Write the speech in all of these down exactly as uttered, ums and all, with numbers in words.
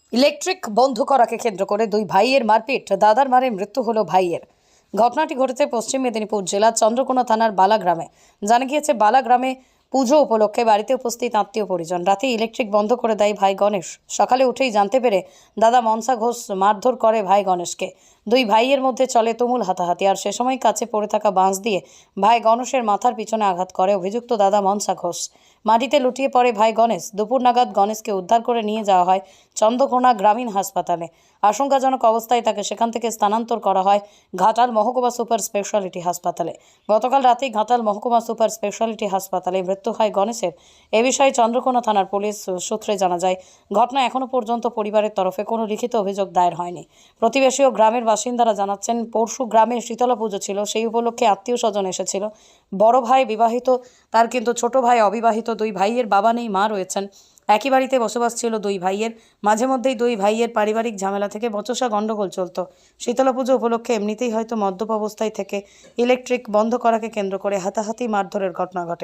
Electric বন্ধ করাকে কেন্দ্র করে দুই ভাইয়ের মারপিট, দাদার মারে মৃত্যু হলো ভাইয়ের। ঘটনাটি ঘটেছে পশ্চিম মেদিনীপুর জেলার চন্দ্রকোনা থানার বালা গ্রামে। জানা গিয়েছে, বালা গ্রামে পুজো উপলক্ষে বাড়িতে উপস্থিত আত্মীয় পরিজন রাতে ইলেকট্রিক বন্ধ করে দেয় ভাই গণেশ। সকালে উঠেই জানতে পেরে দাদা মনসা ঘোষ মারধর করে ভাই গণেশকে। দুই ভাইয়ের মধ্যে চলে তুমুল হাতাহাতি, আর সে সময় কাছে পড়ে থাকা বাঁশ দিয়ে ভাই গণেশের মাথার পিছনে আঘাত করে অভিযুক্ত দাদা মনসা ঘোষ। মাটিতে লুটিয়ে পড়ে ভাই গণেশ। দুপুর নাগাদ গণেশকে উদ্ধার করে নিয়ে যাওয়া হয় চন্দ্রকোনা গ্রামীণ হাসপাতালে। আশঙ্কাজনক অবস্থায় তাকে সেখান থেকে স্থানান্তর করা হয় ঘাটাল মহকুমা সুপার স্পেশালিটি হাসপাতালে। গতকাল রাতেই ঘাটাল মহকুমা সুপার স্পেশালিটি হাসপাতালে মৃত্যু হয় গণেশের। এ বিষয়ে চন্দ্রকোনা থানার পুলিশ সূত্রে জানা যায়, ঘটনা এখনও পর্যন্ত পরিবারের তরফে কোনো লিখিত অভিযোগ দায়ের হয়নি। প্রতিবেশী ও গ্রামের বাসিন্দারা জানাচ্ছেন, পরশু গ্রামে শীতলা পুজো ছিল, সেই উপলক্ষে আত্মীয় স্বজন এসেছিল। বড় ভাই বিবাহিত, তার কিন্তু ছোট ভাই অবিবাহিত। দুই ভাইয়ের বাবা নেই, মা রয়েছেন। একই বাড়িতে বসবাস ছিল দুই ভাইয়ের। মাঝে মধ্যেই দুই ভাইয়ের পারিবারিক ঝামেলা থেকে বচসা গণ্ডগোল চলত। শীতলা পুজো উপলক্ষে এমনিতেই হয়তো মদ্যপ অবস্থায় থেকে ইলেকট্রিক বন্ধ করাকে কেন্দ্র করে হাতাহাতি মারধরের ঘটনা ঘটে।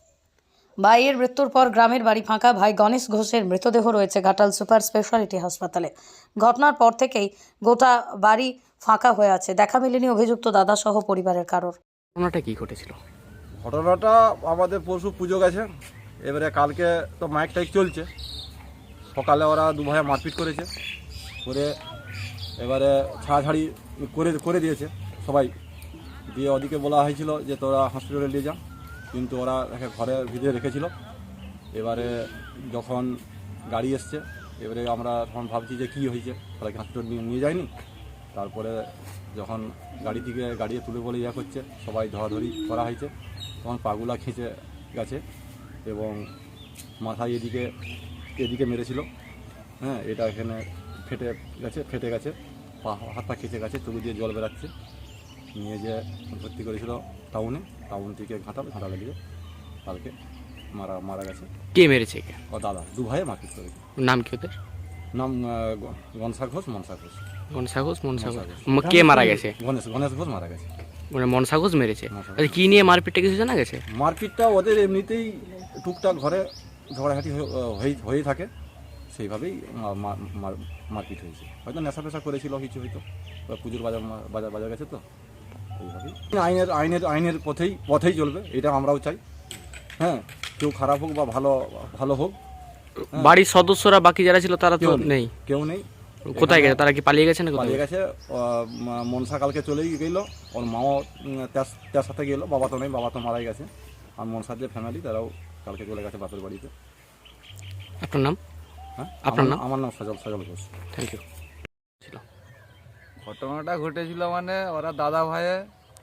ভাইয়ের মৃত্যুর পর গ্রামের বাড়ি ফাঁকা। ভাই গণেশ ঘোষের মৃতদেহ রয়েছে ঘাটাল সুপার স্পেশালিটি হাসপাতালে। ঘটনার পর থেকেই গোটা বাড়ি ফাঁকা হয়ে আছে। দেখা মেলেনি অভিযুক্ত দাদা সহ পরিবারের কারোর। ঘটনাটা কি ঘটেছিল? ঘটনাটা আমাদের পরশু পুজো গেছে, এবারে কালকে তো মাইক টাইক চলছে। সকালে ওরা দু ভাইয়া মারপিট করেছে, করে এবারে ছাড়াছাড়ি করে করে দিয়েছে সবাই। দিয়ে ওদিকে বলা হয়েছিল যে তোরা হসপিটালে নিয়ে যা, কিন্তু ওরা একে ঘরের ভিতরে রেখেছিল। এবারে যখন গাড়ি এসছে, এবারে আমরা তখন ভাবছি যে কী হয়েছে, তাহলে হসপিটাল নিয়ে নিয়ে যায়নি। তারপরে যখন গাড়ি থেকে গাড়ি তুলে বলে ইয়া করছে, সবাই ধরাধরি করা হয়েছে। তখন পাগুলা খেঁচে গেছে এবং মাথায় এদিকে এদিকে মেরেছিল। হ্যাঁ, এটা এখানে ফেটে গেছে ফেটে গেছে পা হাত পা খেঁচে গেছে, চোখ দিয়ে জল বেরাচ্ছে। নিয়ে যে ভর্তি করেছিল টাউনে, টাউন থেকে ঘাটাল ঘাটালে গিয়ে কালকে মারা মারা গেছে। কে মেরেছে? কে? ও দাদা, দু ভাইয়ে মারপিট করেছে। নাম কি ওদের? নাম গনসা ঘোষ, মনসা ঘোষ। মনসা ঘোষ, মনসা ঘোষ। কে মারা গেছে? গণেশ গণেশ ঘোষ মারা গেছে। মানে মনসা ঘোষ মেরেছে। মনসা ঘোষ। আচ্ছা, কি নিয়ে মারপিটটা কিছু জানা গেছে? মারপিটটা ওদের এমনিতেই টুকটাক ঘরে ঝগড়াঝাটি হয়ে হয়ে থাকে, সেইভাবেই মারপিট হয়েছে। হয়তো নেশা ফেশা করেছিল কিছু, হয়তো পুজোর বাজার বাজার বাজার গেছে, তো এইভাবেই আইনের আইনের আইনের পথেই পথেই চলবে, এটা আমরাও চাই। হ্যাঁ, কেউ খারাপ হোক বা ভালো ভালো হোক। বাড়ির সদস্যরা বাকি যারা ছিল তারা তো নেই, কেউ নেই। কোথায় গেছে? তারা কি পালিয়ে গেছে না? পালিয়ে গেছে। মনসা কালকে চলেই গেল, ওর মাও তার সাথে গেলো। বাবা তো নেই, বাবা তো মারাই গেছে। আর মনসার যে ফ্যামিলি, তারাও কালকে চলে গেছে বাপের বাড়িতে। আপনার নাম? হ্যাঁ, আপনার নাম? আমার নাম সজল সজল ঘোষ। Thank you. ঘটনাটা ঘটেছিল মানে ওরা দাদা ভাইয়ে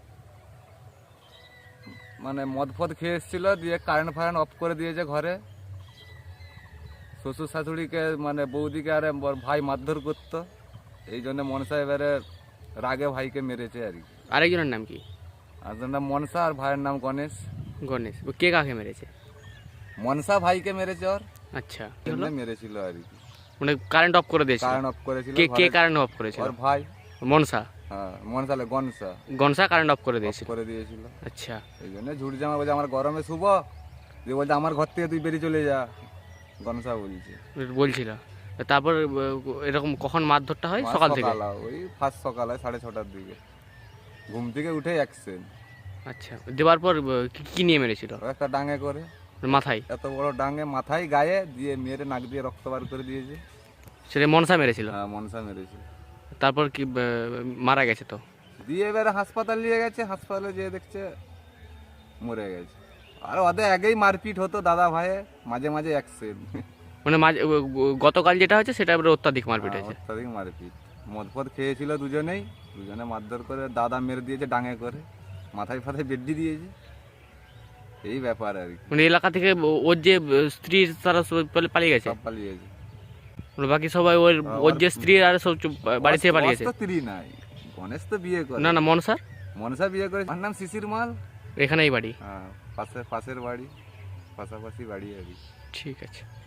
মানে মদ ফদ খেয়ে এসেছিল, দিয়ে কারেন্ট ফারেন্ট অফ করে দিয়েছে ঘরে। শ্বশুর শাশুড়িকে মানে বৌদিকে আরে ভাই মারধর করতো, এই জন্য মনসা এবারে রাগে ভাইকে মেরেছে আর কি। আরেকজনের নাম কি? আরেকজনের নাম মনসা আর ভাইয়ের নাম গণেশ। গণেশ। ও কে কাকে মেরেছে? মনসা ভাইকে মেরেছে, ওর আচ্ছা, মেরেছিল আর কি। মানে কারেন্ট অফ করে দিয়েছে? কারেন্ট অফ করেছিল। কে কে কারেন্ট অফ করেছিল? ওর ভাই মনসা। হ্যাঁ, মনসালে গনসা গনসা কারেন্ট অফ করে দিয়েছিল করে দিয়েছিল। আচ্ছা, এই জন্য ঝুড়ি জামা বলছে আমার গরমে শুভ, দিয়ে বলছে আমার ঘর থেকে তুই বেরিয়ে চলে যা, গনসা বলছে বলছিল। তারপর এরকম কখন মারধরটা হয়? সকাল থেকে? ওই ফার্স্ট সকালে সাড়ে ছটার দিকে ঘুম থেকে উঠে অ্যাক্সিডেন্ট। আচ্ছা, দেওয়ার পর কি নিয়ে মেরেছিল? একটা ডাঙে করে মাথায়? এত বড় ডাঙে মাথায় গায়ে দিয়ে মেরে নাক দিয়ে রক্ত বার করে দিয়েছে। সেটা মনসা মেরেছিল? হ্যাঁ, মনসা মেরেছে। তারপর কি মারা গেছে? তো দিয়ে এবারে হাসপাতাল নিয়ে গেছে, হাসপাতালে যেয়ে দেখছে মরে গেছে। আর ওদের আগেই মারপিট হতো দাদা ভাইয়ে, মাঝে মাঝে অ্যাক্সিডেন্ট। মানে মাঝে গতকাল যেটা হয়েছে সেটা এবারে অত্যাধিক মারপিট হয়েছে? অত্যাধিক মারপিট, মদ ফদ খেয়েছিল দুজনেই, দুজনে মারধর করে দাদা মেরে দিয়েছে ডাঙে করে, মাথায় ফাথায় বেড্ডি দিয়েছে, এই ব্যাপার আর কি। মানে এলাকা থেকে ওর যে স্ত্রী তারা পালিয়ে গেছে? সব পালিয়ে গেছে। বাকি সবাই ওর ওর যে স্ত্রী আর সব বাড়ি থেকে পালিয়ে গেছে? স্ত্রী নাই, গণেশ তো বিয়ে করে। না না, মনসা মনসা বিয়ে করে। আমার নাম শিশির মাল। এখানেই বাড়ি? হ্যাঁ, পাশে পাশের বাড়ি, পাশাপাশি বাড়ি আর কি। ঠিক আছে।